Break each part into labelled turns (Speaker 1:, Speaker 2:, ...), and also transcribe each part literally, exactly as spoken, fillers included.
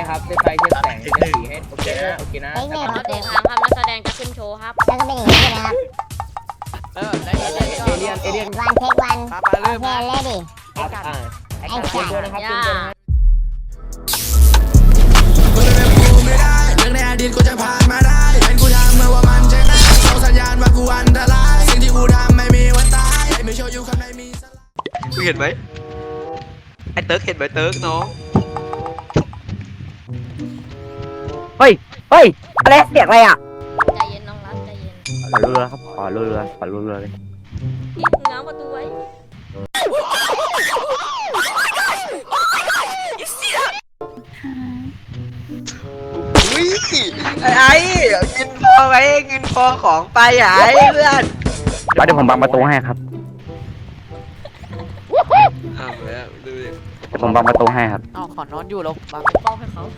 Speaker 1: นะครับเซตไฟเซตแสงเซตสีให้โอเคนะโอเคนะ
Speaker 2: เฮ้ย
Speaker 3: ขอเดททางครับนักแสดงจะขึ้นโชว์ครับ
Speaker 2: แล้วก็เป็นอย่างนี้เลยนะครับ
Speaker 4: เออได้
Speaker 1: เอเลียนเอเลียน
Speaker 2: วันเทควัน
Speaker 4: มามาเริ่ม
Speaker 2: โอเค
Speaker 4: มา
Speaker 2: เลยดิ
Speaker 1: ครับอ่าไอ้การเตรียมตัวนะครับเตรียมตัวนะฮะ
Speaker 5: เรื่องในอดีตกูจะผ่านมาได้เป็นกูทำเมื่อว่ามันใช่ไหมส่งสัญญาณว่ากูอันตรายสิ่งที่กูทำไม่มีวันตายไม่โชว์อยู่ข้างในมีสลาย
Speaker 6: มึงเห็นไหมไอ้เติร์กเห็นไหมเติร์กน้อง
Speaker 7: เฮ้ย เฮ้ย อะไรเสียงอะไรอ่ะ
Speaker 3: ใจเย็นน้องรักใจเย็น
Speaker 7: ขอรัวๆครับ ขอรัวๆขอรัวๆเลย
Speaker 3: พี่ง้างประตูไว้
Speaker 6: อุ้ยไอ้ไอ้กินพอไหมกินพอของไปอ่ะไอ้เพื่อน
Speaker 7: แล้วเดี๋ยวผมบังประตูให้ครับ
Speaker 6: ทำแล้วดูดิ
Speaker 7: เดี๋ยวผมบังประตูให้ครับ
Speaker 4: เอาขอนอนอยู่แล้วบัง
Speaker 3: ป้องให้เขา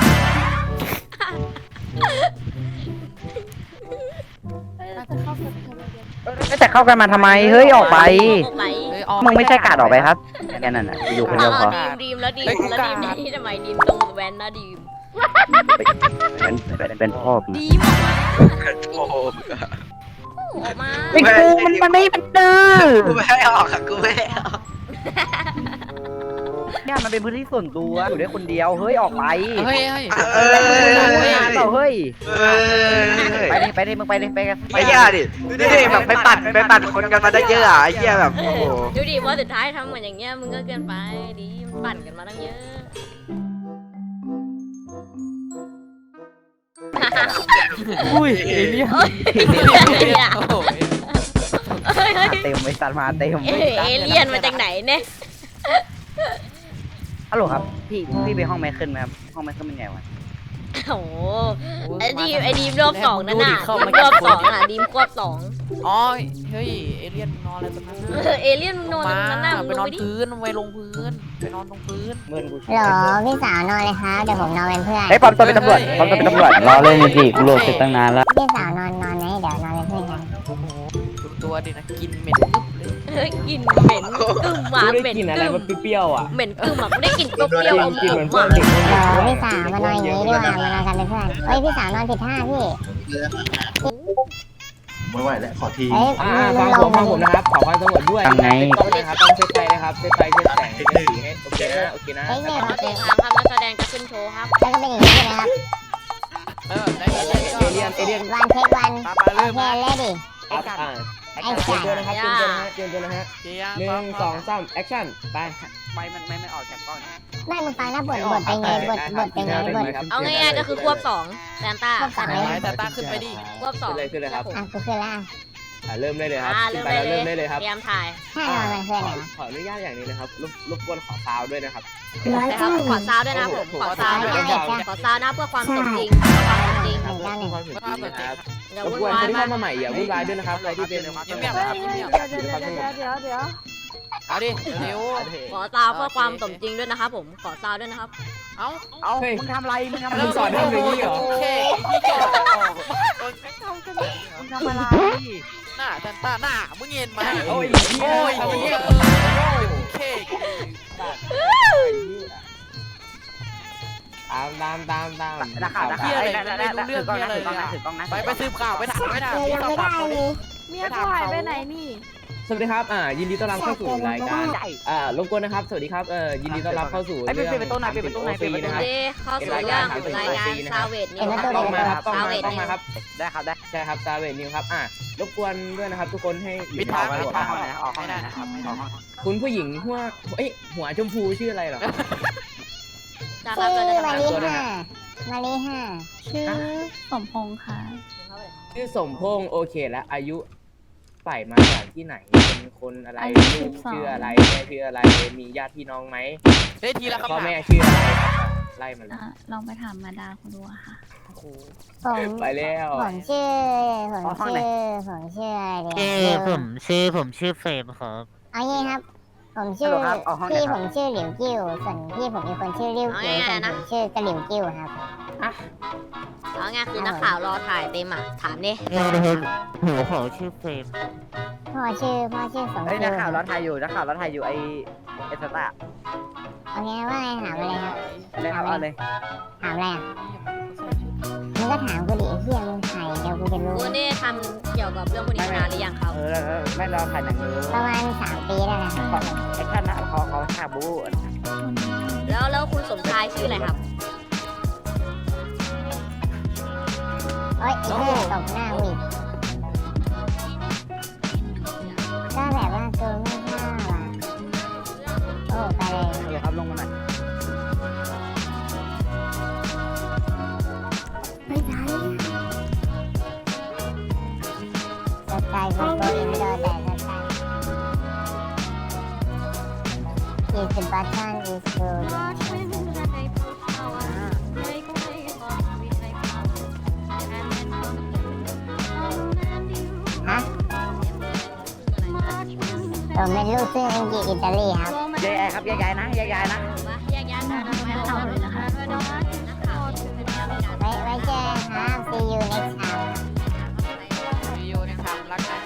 Speaker 7: แต่เข้ากันมาทำไม เฮ้ย ออกไป
Speaker 3: ออกไป
Speaker 4: เฮ้ยออก
Speaker 7: มึงไม่ใช่กาดออกไปครับแค่นั้นน่ะอยู่คนเดียวพอ
Speaker 3: ดีมดีมแล้วดีมแล้วดีมนี่ทำไมดีมตรงแวนนะดีม
Speaker 7: เป็นเป็นเป็นพ่อมึง
Speaker 3: ดีมออกมา
Speaker 6: โอ้โห
Speaker 3: ออกมา
Speaker 7: ไอ้กูมันมันไม่มันดื้อ
Speaker 6: กูไม่ให้ออกอะกูไม่ให้ออก
Speaker 7: เนี่ยมันเป็นพื้นที่ส่วนตัวอยู่ได้คนเดียว เฮ้ย ออกไป
Speaker 4: เฮ้ยเฮ้ย
Speaker 6: เออ
Speaker 7: เฮ้ยเฮ้ย
Speaker 6: เออ
Speaker 7: ไปเลยไปเลยมึงไปเลยไปกัน
Speaker 6: ไอ้ย่าดิดูดิแบบไปปั่นไปปั่นคนกันมาได้เยอะอ่ะไอ้เหี้ยแบบโอ้โห
Speaker 3: ดูดิว่าสุดท้ายทำเหมือนอย่างเงี้ยมึงก็เกินไปดีมปั่นกันมาตั้งเยอะ
Speaker 7: อุ้ย
Speaker 4: เอเลี่ยน
Speaker 3: เฮ้ยเนี่ย
Speaker 4: โอ้โห
Speaker 3: เฮ้ยเฮ้ย
Speaker 7: เต็มไอ้สัตว์มาเต็ม
Speaker 3: เอ้ยเอเลี่ยนมาจากไหนเนี่ย
Speaker 7: ฮัลโหลครับพี่พี่ไปห้องไมเคิลไหมครับห้องไมเคิลเป็นไงวะ
Speaker 3: โอ้โหไอ้ดีมไอ้ดีมรอบสองนั่นน่ะดีมรอบสองอ่ะดีมควบสอง
Speaker 4: อ๋อเฮ้ยเอเลี่ยนนอนอะไรตรงนั้น
Speaker 3: เออเอเลี่ยนมึงนอนตรงนั้นน่ะมึง
Speaker 4: ไป
Speaker 3: ล
Speaker 4: น
Speaker 3: ง
Speaker 4: อน
Speaker 3: ไปดิ
Speaker 4: พื้นไปลงพื้นไปนอนตรงพื้น
Speaker 1: เมื่อนกู
Speaker 2: เหรอพี่สาวนอนเลยครับเดี๋ยวผมนอนเป็นเพื่อน
Speaker 7: เฮ้ยปลอมตัวเป็นตำรวจปลอมตัวเป็นตำรวจรอเล่นสิกูโหลดเสร็จตั้งนานแล้ว
Speaker 2: พี่สาวนอนนอนไหมเดี๋ยวนอนเป็นเพื่อนกัน
Speaker 4: โอ้โหดูตัวดินะกินเหม็นกึ๊บเลย
Speaker 3: เฮ้ยกลิ่นเหม็นกึ่มหวาน
Speaker 1: กู
Speaker 3: เหม็
Speaker 1: ได้
Speaker 3: น
Speaker 1: กินอะไร
Speaker 3: กึ่ม
Speaker 1: มันเปรี้ยวๆอ่ะ
Speaker 3: เหม็นกึ่มอ่ะกูได้กลิ่นเปรี้ยวๆอม
Speaker 1: กิน
Speaker 3: ๆ
Speaker 1: เหมือน
Speaker 3: อ่ะ
Speaker 1: เพื่อนเด็ก
Speaker 2: เหรอพี่สาวมานอนอย่างนี้ดีกว่ามานอนกันเป็นเพื่อนเฮ้ยพี่สาวนอนผิดท่าพี่
Speaker 8: ไม่ไหวแล้วขอที
Speaker 2: เฮ้ย
Speaker 1: อ่า
Speaker 2: มึ
Speaker 1: ฟั
Speaker 2: ง
Speaker 1: ง
Speaker 2: ล
Speaker 1: ผม
Speaker 2: ง
Speaker 1: ฟังผมนะครับขอความสงบด้วยต้องนะครับต้องเซตไฟนะครับเซตไฟเซตแสงเซตสีให้โอเคนะโอเคนะ
Speaker 2: เฮ้ยเนี่ย
Speaker 3: ขอเดททางครับนักแสดงจะขึ้นโชว์ครับ
Speaker 2: แล้วก็เป็นอย่างนี้เลยนะครับ
Speaker 4: เออได้
Speaker 1: เอเลียนเอเลียน
Speaker 2: วันเทควัน
Speaker 4: มามา
Speaker 2: โอ
Speaker 4: เริ่ม
Speaker 2: เค
Speaker 4: มา
Speaker 2: เลยดิ
Speaker 1: ครับอ่าเตรียมตัวนะครับเตรียมตัวนะฮะเตรียมตัวนะฮะ
Speaker 4: เจีย
Speaker 1: หนึ่งสองสามแอคชั่นไป
Speaker 7: ไม่มันไม่ไม่ออกจากกล้อง
Speaker 2: ไม่มึงฟังนะบทบทเป็นไงบทบทเป็นไงบท
Speaker 3: เอาง่ายๆก็คือควบสองแซนต้า
Speaker 2: ควบสอง
Speaker 4: ไหนแต่ตาขึ้นไปดิ
Speaker 3: ควบสอง
Speaker 1: เลยขึ้นเลยครับ
Speaker 2: อ่ะกูขึ้นละ
Speaker 1: อ่าเริ่มได้เลยครับ
Speaker 3: อ่า
Speaker 1: ขึ้
Speaker 3: เริ่
Speaker 1: น
Speaker 3: ม
Speaker 1: ไป
Speaker 3: ได้
Speaker 1: แล้ว
Speaker 3: เล
Speaker 1: เริ่มได้เลยครับ
Speaker 3: ยเตรียมถ่าย
Speaker 2: ถ้านอนเป็นเพื่อนเหรอ
Speaker 1: ขออนุญาตอย่างนี้นะครับรบรบกวนขอซาวด้วยนะครับ
Speaker 2: ร้อย
Speaker 3: นะครั
Speaker 2: เก้า
Speaker 3: บขอซาวด้วยนะผมขอซาวด้วยขอซาวนะเพื่อความสมจริงความสมจริง
Speaker 2: หนึ่งเก้าหนึ่ง
Speaker 1: ความสุขนะครับ
Speaker 3: อย่าร
Speaker 1: บ
Speaker 3: วุ่น
Speaker 1: กวน
Speaker 3: วา
Speaker 1: ค
Speaker 3: ย
Speaker 1: นที่
Speaker 3: มา
Speaker 1: เข้าก มาใหม่อย่าวุ่นวายด้วยนะครับใครที่เป็น
Speaker 4: เงียบๆนะครับเงียบ
Speaker 1: เดี๋ยวเดี๋ยวเดี๋ยวเดี๋ยว
Speaker 4: ๆเอาดิเร็ว
Speaker 3: ขอซาวเพื่อความสมจริงด้วยนะครับผมขอซาวด้วยนะครับ
Speaker 4: เอา
Speaker 7: เอามึงทำอะไรมึงทำอะไร
Speaker 1: มึงสอนทำอย่างนี้เหรอ
Speaker 4: โอเคพี่เกี่ยวโดนแข่งเท่ากันเลย
Speaker 7: มึงทำอะไร
Speaker 4: หน้าแต่ตาหน้ามึงเห็นไหม
Speaker 1: โอ้ย
Speaker 4: โอ้ย
Speaker 1: โอ้
Speaker 4: เหี้ย
Speaker 1: ย
Speaker 4: เออโอเค
Speaker 1: ตามตามตามตาม
Speaker 7: นักข่าวนักข่าวถือกล้องนะถือกล้องนะถือกล้องนะ
Speaker 4: ไปไปสืบข่าวไปถามไปถาม
Speaker 2: เดี๋ยวยังไม่ได้เลย
Speaker 4: เมียกูหายไปไหนนี่
Speaker 1: สวัสดีครับอ่ายินดีต้อนรับเข้าสู่รายการอ่ารบกวนนะครับสวัสดีครับเอ่อยินดีต้อนรับเข้าสู่
Speaker 7: ไอ้เป็นเป็นต้นไหนเป็นต้นไหนเป็น
Speaker 3: โอ
Speaker 7: ต้นไหน
Speaker 3: เคเข้าสู่เรื่องรายงานซาวเวดนิวครับ
Speaker 1: ต้องมาครับต้อง
Speaker 3: ซาว
Speaker 1: มา
Speaker 3: เวด
Speaker 1: ต้อง
Speaker 3: นิ
Speaker 1: มาว ครับ
Speaker 7: ได้ครับได้
Speaker 1: ใช่ครับซาเวนิวครับอ่ารบกวนด้วยนะครับ ทุกคนให้
Speaker 4: ปิดทาง
Speaker 1: อ
Speaker 4: ปิ
Speaker 1: ยู่
Speaker 4: ดทาง
Speaker 7: ออกออก
Speaker 4: ไม่ได้นะครับไม่ได้
Speaker 1: คุณผู้หญิงหัวเอ้ยหัวชมพูชื่ออะไรเหรอ
Speaker 3: จะรั
Speaker 2: ชื่
Speaker 3: บ
Speaker 2: อ
Speaker 3: เลยนะค
Speaker 2: มา
Speaker 3: รับ
Speaker 2: รีห้ามารีห้า
Speaker 9: ชื่อสมพงษ์ค่ะ
Speaker 1: ชื่อสมพงษ์โอเคแล้วอายุใส่มาจากที่ไหนเป็นคนอะไร
Speaker 9: อายุ
Speaker 1: ลู
Speaker 9: สิ
Speaker 1: ก
Speaker 9: บสอง
Speaker 1: ชื่ออะไรแม่ชื่ออะไรมีญาติพี่น้องไหม
Speaker 4: เฮ้ยทีละคำ
Speaker 1: พ่อ
Speaker 4: ถาม
Speaker 1: แม่ชื่ออะไรครับไล่มาเลย
Speaker 9: อ่ะลองไปถามมาดาคุณดูอะค่ะ
Speaker 4: โอ้โห
Speaker 2: ผม
Speaker 1: ไปแล้ว
Speaker 2: ผมชื่อผมชื่อผมชื่ออะไรเดี
Speaker 10: ชื่อผมชื่อผมชื่อเฟรมครับ
Speaker 2: เอางี้ครับ ผมชื่อพี่ผมชื่อหลิวกิ้วส่วนพี่ผมมีคนชื่อริ้วกิ้วส่วนผมชื่อกระหลิวกิ้วครับ
Speaker 3: เอาง่ายคือนักข่าวรอถ่ายเต็มอ่ะถามดิ
Speaker 10: เออนะครับหัวขอชื่อเฟรม
Speaker 2: พ่อชื่อพ่อชื่อสม
Speaker 7: เฮ้ย
Speaker 2: คิ
Speaker 7: นัก
Speaker 2: ว
Speaker 7: ข่าวเราถ่ายอยู่นักข่าวเราถ่ายอยู่ไอเอสตา
Speaker 2: โอเคว่าไงถามอะไรครับ
Speaker 1: เลยครับเอาเลย
Speaker 2: ถามอะไรอ่ะมึงก็ถามกูดิไอ้เหี้ยมึงถ่ายเดี๋ยวกูจะรู้
Speaker 3: คุณได้ทำเกี่ยวกับเรื่องพวกนี้มานานหรือยังครับ
Speaker 1: เออแล้วไม่รอขายหนังเลย
Speaker 2: ประมาณสามปีได้แล้วครับ
Speaker 1: ไอ้ท่านนะเขาเขาชาบู
Speaker 3: แล้วแล้วคุณสมชายชื่ออะไรครับ
Speaker 2: โอ๊ยไอ้เหี้ยตบหน้ากูอีกก็แบบว่ากูไม่ชอบอ่ะโอ้ไปเลย
Speaker 1: เออครับลงมาหน่อย
Speaker 2: ไม่ใช่สไตล์กูก็อินโดแต่สไตล์ is the button is good ฮะผมเป็นลูกครึ่งอังกฤษอิตาลีครับ
Speaker 1: แยกย้ายครับแยกย้ายนะแยกย้ายนะ
Speaker 3: แยกย้ายกันไม่เอาเลยนะคะ
Speaker 2: ไว้ไว้เจอกันครับ see you next time
Speaker 4: วิวเนี่ยครับรักนะ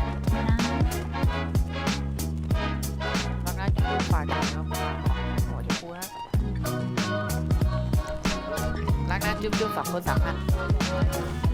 Speaker 4: รักนะจุ๊บฝากกันครับหัวจุ๊บพูนะรักนะจุ๊บจุ๊บสองคนสามพัน